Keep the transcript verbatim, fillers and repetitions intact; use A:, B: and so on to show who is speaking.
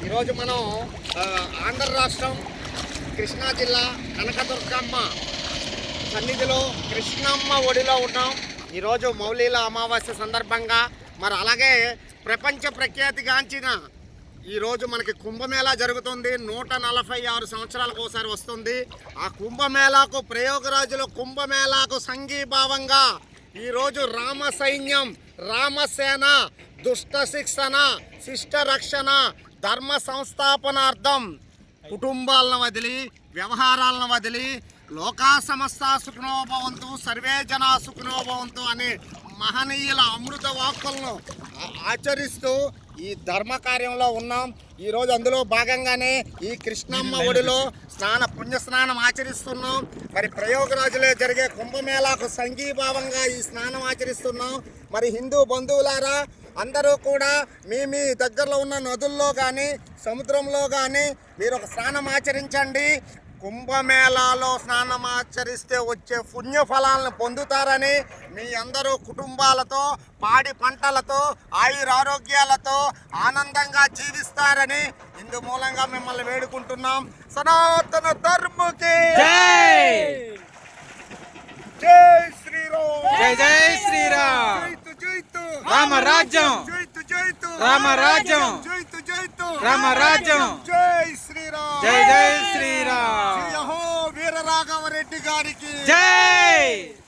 A: ఈరోజు మనం ఆంధ్ర రాష్ట్రం కృష్ణా జిల్లా కనకదుర్గమ్మ సన్నిధిలో కృష్ణమ్మ ఒడిలో ఉన్నాం. ఈరోజు మౌలీల అమావాస్య సందర్భంగా మరి అలాగే ప్రపంచ ప్రఖ్యాతిగాంచిన ఈరోజు మనకి కుంభమేళా జరుగుతుంది. నూట నలభై ఆరు సంవత్సరాలకు ఒకసారి వస్తుంది. ఆ కుంభమేళాకు ప్రయోగరాజుల కుంభమేళాకు సంఘీభావంగా ఈరోజు రామ సైన్యం, రామసేన దుష్ట శిక్షణ, శిష్ట రక్షణ, ధర్మ సంస్థాపనార్థం కుటుంబాలను వదిలి, వ్యవహారాలను వదిలి లోకా సమస్త సుఖనోభవంతు సర్వే జనా సుఖనోభవంతు అనే మహనీయుల అమృత వాక్కులను ఆచరిస్తూ ఈ ధర్మ కార్యంలో ఉన్నాం. ఈరోజు అందులో భాగంగానే ఈ కృష్ణమ్మ ఒడిలో స్నాన పుణ్యస్నానం ఆచరిస్తున్నాం. మరి ప్రయోగరాజులో జరిగే కుంభమేళాకు సంఘీభావంగా ఈ స్నానం ఆచరిస్తున్నాం. మరి హిందూ బంధువులారా, అందరూ కూడా మీ మీ దగ్గరలో ఉన్న నదుల్లో కానీ సముద్రంలో కానీ మీరు ఒక స్నానం ఆచరించండి. కుంభమేళాలో స్నానం ఆచరిస్తే వచ్చే పుణ్య ఫలాలను పొందుతారని, మీ అందరూ కుటుంబాలతో పాడి పంటలతో ఆయురారోగ్యాలతో ఆనందంగా జీవిస్తారని ఇందు మూలంగా మిమ్మల్ని వేడుకుంటున్నాం. సనాతన ధర్మకి జై శ్రీరామ్,
B: జై జై శ్రీరామ్,
A: జైతు జైతు
B: రామరాజ్యం,
A: జైతు జైతు
B: రామరాజ్యం,
A: జైతు జైతు
B: రామరాజ్యం,
A: జై శ్రీరామ్,
B: జై జై శ్రీరామ్,
A: వీర రాఘవరెడ్డి గారికి
B: జై.